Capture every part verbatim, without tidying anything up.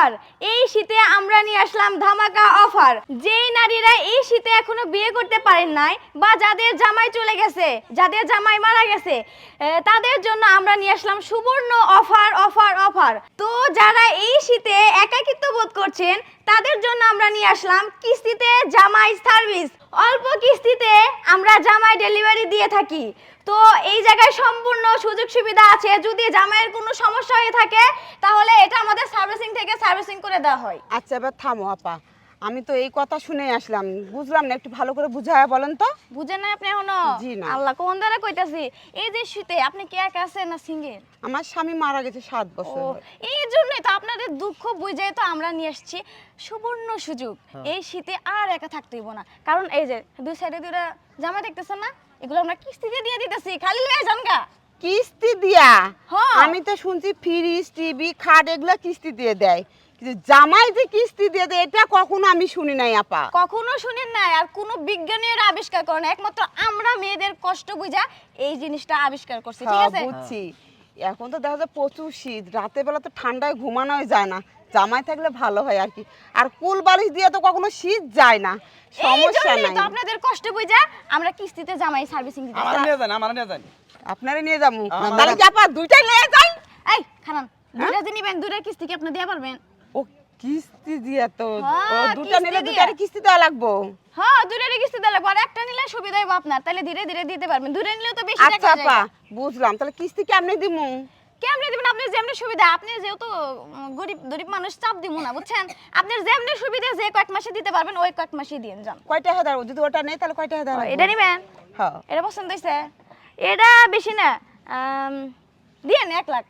Offer. এই শীতে আমরা নিয়ে আসলাম ধামাকা অফার। যেই নারীরা এই শীতে এখনো বিয়ে করতে পারেন নাই বা যাদের জামাই চলে গেছে, যাদের জামাই মারা গেছে, তাদের জন্য আমরা নিয়ে আসলাম সুবর্ণ অফার অফার অফার। তো যারা এই শীতে একাকিত্ব বোধ করছেন তাদের জন্য আমরা নিয়ে আসলাম কিস্তিতে জামাই সার্ভিস। অল্প কিস্তিতে আমরা জামাই ডেলিভারি দিয়ে থাকি। তো এই জায়গায় সম্পূর্ণ সুযোগ সুবিধা আছে। যদি জামাইয়ের কোনো সমস্যা হয়ে থাকে তাহলে এটা আমাদের সার্ভিসিং থেকে সার্ভিসিং করে দেওয়া হয়। আচ্ছা এবার থামো আপা, আমি তো এই কথা শুনে আসলাম, বুঝলাম না, একটু ভালো করে বুঝায়া বলেন তো। বুঝেন না আপনি এখনো? জি না। আল্লাহ কোন দ্বারা কইতাছি, এই যে শীতে আপনি কি একা আছেন না সিঙ্গেল? আমার স্বামী মারা গেছে সাত বছর ও, হলো। এই জন্যই তো আপনাদের দুঃখ বুঝে তো আমরা নিয়ে আসছি সুবর্ণ সুযোগ। এই শীতে আর একা থাকতে হইব না, কারণ এই যে দুই সাইডে দুইটা জামা দেখতেছেন না, এগুলো আমরা কিস্তিতে দিয়ে দিতেছি, খালি লয়ে যান গা। কিস্তি দিয়া? হ্যাঁ। আমি তো শুনছি ফ্রিজ টিভি খাট এগুলো কিস্তি দিয়ে দেয়, কিন্তু জামাই যে কিস্তি দিয়ে দেয় এটা কখনো আমি শুনি নাই আপা। কখনো শুনেন না, আর কোনো বিজ্ঞানীর আবিষ্কার করে না, একমাত্র আমরা মেয়েদের কষ্ট বুঝা এই জিনিসটা আবিষ্কার করছি। ঠিক হ্যাঁ, আছে, বুঝছি। এখন তো দেখা যায় প্রচুর শীত, রাতের বেলা তো ঠান্ডায় ঘুমানোই যায় না, জামাই থাকলে ভালো হয় আর কি। আর কুল বালিশ দিয়ে তো কখনো শীত যায় না, এই সমস্যা জন্যই নাই। তো আপনাদের কষ্ট বুঝা আমরা কিস্তিতে জামাই সার্ভিসিং দিতে। আমার নিয়ে যান, আমার নিয়ে যান। আপনারে নিয়ে যাবো, আমার- তাহলে কি আপা দুইটাই নিয়ে যাই? এই খানান, দুইটা যে নিবেন দুইটা কিস্তি কি আপনি দিয়ে পারবেন? ও কিস্তি দিয়া তো, ও হ্যাঁ, দুটা নিলে কিস্তি দুটারে দিয়া। কিস্তি দেওয়া লাগবো। হ্যাঁ, দুইটারই কিস্তি দিলে আর একটা নিলে সুবিধা হবে আপনার, তাহলে ধীরে ধীরে দিতে পারবেন। দুইটা নিলেও তো বেশি আচ্ছা টাকা আপা যায়। বুঝলাম, তাহলে কিস্তি কেমনে দিমু? কেমনে দিবেন? আপনি যেমনি সুবিধা, আপনি যেহেতু উম, গরিব গরিব মানুষ, চাপ দিব না বুঝছেন। আপনার যেমনি সুবিধা যে কয়েক মাসে দিতে পারবেন ওই কয়েক মাসে দিয়ে যান। কয়টা হাজার? যদি ওটা নেই তাহলে কয়টা হাজার? এটা নিবেন? হ্যাঁ। এটা পছন্দ হয়েছে? এটা বেশি না, আম, দিয়েন এক লাখ।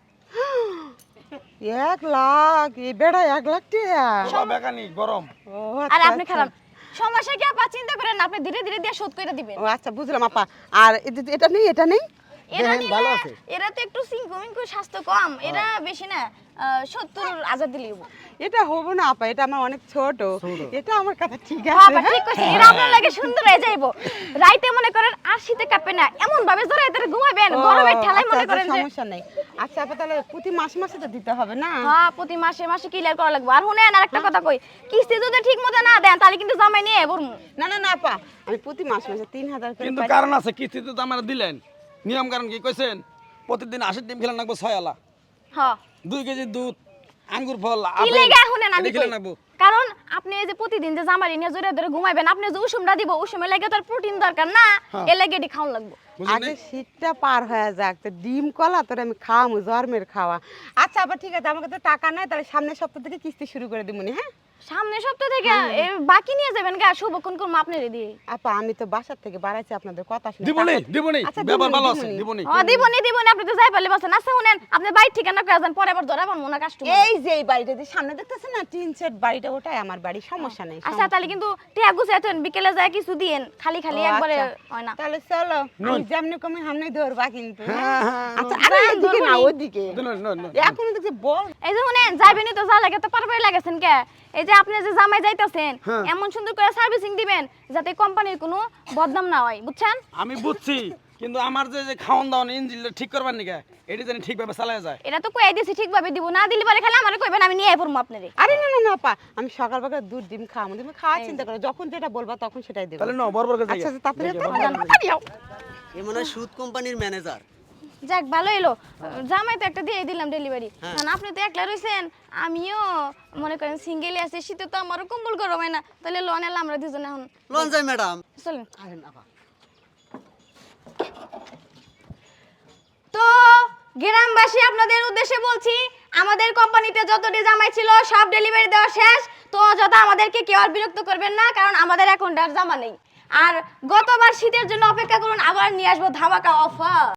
এক লাখ? এ বেড়া এক লাখ টাকা? বাবা বেকানি গরম। ও আর আচ্ছা, আপনি আচ্ছা। খারাপ সমস্যা কি আপা, চিন্তা করেন না, আপনি ধীরে ধীরে দিয়ে শোধ করে দিবেন। ও আচ্ছা বুঝলাম আপা। আর এ- এ- এটা নেই, এটা নেই? এরা দেখেন, ভালো নিলে আছে। এরা তো একটু সিঙ্কু মিঙ্কু, স্বাস্থ্য কম, এরা বেশি না, সত্তর হাজার দিলে হবো। এটা হবো না আপা, এটা আমার অনেক ছোট, এটা আমার কাছে ঠিক বাবা আছে। ঠিক কইছেন, এরা আপনার লাগে সুন্দর হয়ে যাইবো। রাইতে মনে করেন আর শীতে কাঁপে না, এমন ভাবে জোরে এদের ঘুমাবেন, ও, গরমের ঠেলায় আচ্ছা, মনে আচ্ছা, করেন যে। সমস্যা নেই। আচ্ছা আপা, তাহলে প্রতি মাসে মাসে তো দিতে হবে না? হ্যাঁ, প্রতি মাসে মাসে ক্লিয়ার করা লাগবে। আর শুনেন আরেকটা কথা কই, কিস্তি যদি ঠিক মতো না দেন তাহলে কিন্তু জামাই নিয়ে বলবো। না না না আপা, আমি প্রতি মাসে মাসে তিন হাজার করে কিন্তু পাই। কারণ আছে, কিস্তিতে তো আমার দিলেন, নিয়ম কারণ কি কইছেন? প্রতিদিন আশির ডিম খেলে নাকবো ছয় আলা, হ্যাঁ, দুই কেজি দুধ, আঙ্গুর ফল, কি আপেল, লেগে শুনেন আমি এটা খেলে কই। নাকবো। কারণ আপনি এই যে প্রতিদিন যে জামাই নিয়ে জোরে ধরে ঘুমাইবেন, আপনি যে উষুমটা দিব, উষুমে লাগে তার প্রোটিন দরকার না, হ্যাঁ। এ লাগে এটি খাওয়ান লাগবে। বুঝলেন আগে নাই? শীতটা পার হয়ে যাক, তো ডিম কলা তোর আমি খাওয়ামু, জন্মের খাওয়া। আচ্ছা আপা ঠিক আছে, আমাকে তো টাকা নাই, তাহলে সামনের সপ্তাহ থেকে কিস্তি শুরু করে দিবনি। হ্যাঁ সামনের সপ্তাহ থেকে এ, বাকি নিয়ে যাবেন গা, শুভক্ষণ করবো আপনারে দিয়ে। আপা, আমি তো বাসার থেকে বাড়াইছি আপনাদের কথা শুনে। দিবনি, টাকা- দিবনি, আচ্ছা, ব্যাপার দিবনি, ভালো আছে, দিবনি। দিবনি। ও দিবনি দিবনি, আপনি তো যাই পারলে বসেন। আচ্ছা শুনেন, আপনি বাইর ঠিকানা করে যান, পরে আবার ধরা পারবো না কাস্টমার। এই যে এই বাড়িটা যে সামনে দেখতেছেন না, টিন সেট বাড়িটা, ওটাই আমার বাড়ি, সমস্যা নেই। আচ্ছা তাহলে কিন্তু টিয়া গুছে এতেন, বিকেলে যায় কিছু দিয়েন, খালি খালি ও, একবারে আচ্ছা। হয় না। তাহলে চলো, নন। আমি যেমনি কমে সামনে ধরবা কিন্তু। হ্যাঁ, হ্যাঁ, আচ্ছা নন। আরে যান, এদিকে না, ধরবনি। ওদিকে। দিন, নন, নন। এখন দেখছি বল। এই যে শুনেন, যাইবেনই তো, যা লাগে তো পারবে লাগেছেন কে? এই যে আপনি যে জামাই যাইতাছেন, হ্যাঁ। এমন সুন্দর করে সার্ভিসিং দিবেন যাতে কোম্পানির কোনো বদনাম না হয়, বুঝছেন? আমি বুঝছি, কিন্তু আমার যে যে খাওয়ান দাওয়ান ইঞ্জিনটা ঠিক করবার নিকা, এটি জানি ঠিকভাবে চালায় যায়। এটা তো কই দিছি ঠিকভাবে দিব, না দিলে পরে খালি আমারে কইবেন, আমি নিয়ে পড়বো আপনারে। আরে না না না আপা, আমি সকাল বেলা দুধ ডিম খাওয়াবো, তুমি খাওয়া চিন্তা করো, যখন যেটা বলবা তখন সেটাই দেবো। তাহলে ন বরবর করে আচ্ছা যাই। আচ্ছা, তাড়াতাড়ি দেখি, তাড়াতাড়ি, বরবর করে তাড়াতাড়ি আও। এ মনে হয় সুদ কোম্পানির ম্যানেজার। যাক ভালো এলো, জামাই তো একটা দিয়ে দিলাম ডেলিভারি। হ্যাঁ। না আপনি তো একলা রইছেন, আমিও মনে করেন সিঙ্গেলই আছি, শীতে তো আমারও কম্বল গরম হয় না, তাহলে লোন এলাম আমরা দুজনে এখন। লন যাই ম্যাডাম। চলেন। আরে না বা। তো গ্রামবাসী, আপনাদের উদ্দেশ্যে বলছি, আমাদের কোম্পানিতে যতটি জামাই ছিল সব ডেলিভারি দেওয়া শেষ। তো যত আমাদেরকে কেউ আর বিরক্ত করবেন না, কারণ আমাদের এখন আর জামা নেই। আর গতবার শীতের জন্য অপেক্ষা করুন, আবার নিয়ে আসবো ধামাকা অফার।